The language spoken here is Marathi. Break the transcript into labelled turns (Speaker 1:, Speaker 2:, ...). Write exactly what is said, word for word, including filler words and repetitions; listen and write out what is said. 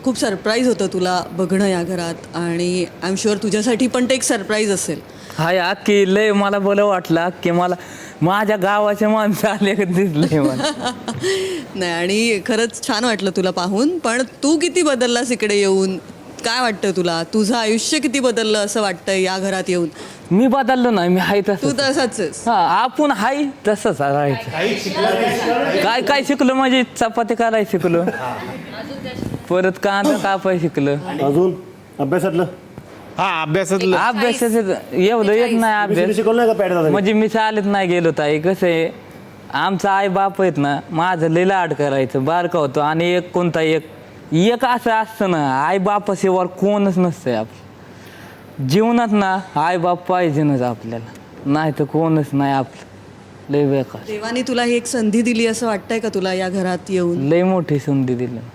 Speaker 1: खूप सरप्राईज होतं तुला बघणं या घरात आणि आय एम शुअर तुझ्यासाठी पण ते एक सरप्राईज असेल.
Speaker 2: हाय अख्खी लय मला बरं वाटलं की मला माझ्या गावाचे माणसं आले का दिसले मला.
Speaker 1: नाही आणि खरंच छान वाटलं तुला पाहून. पण तू किती बदललास इकडे येऊन? काय वाटतं तुला? तुझं आयुष्य किती बदललं असं वाटतंय या घरात येऊन?
Speaker 2: मी बदललो नाही, मी हाय
Speaker 1: तू
Speaker 2: तसं.
Speaker 1: तसाच आहेस.
Speaker 2: हा आपण हाय तसंच राहायचं. काय काय शिकलो म्हणजे चपाती करायला शिकलो, परत कांदा कापाय शिकलो.
Speaker 3: अजून अभ्यासातलं
Speaker 4: हा अभ्यासातलं
Speaker 2: अभ्यासाचं एवढं येत नाही अभ्यास.
Speaker 3: शिकवलं नाही का पॅड दादा?
Speaker 2: म्हणजे मी चालत नाही गेलो ताई. कसं आहे आमचा आई बाप आहेत ना, माझं लय लाड करायचं बारका होतो. आणि एक कोणता एक एक असं असतं ना, आई बापाशिवाय कोणच नसतंय आपलं जीवनात ना. आई बाप पाहिजेनच आपल्याला, नाही तर कोणच नाही आपलं. लय बेकार,
Speaker 1: देवाने तुला ही एक संधी दिली असं वाटतंय का तुला या घरात येऊन?
Speaker 2: लय मोठी संधी दिली.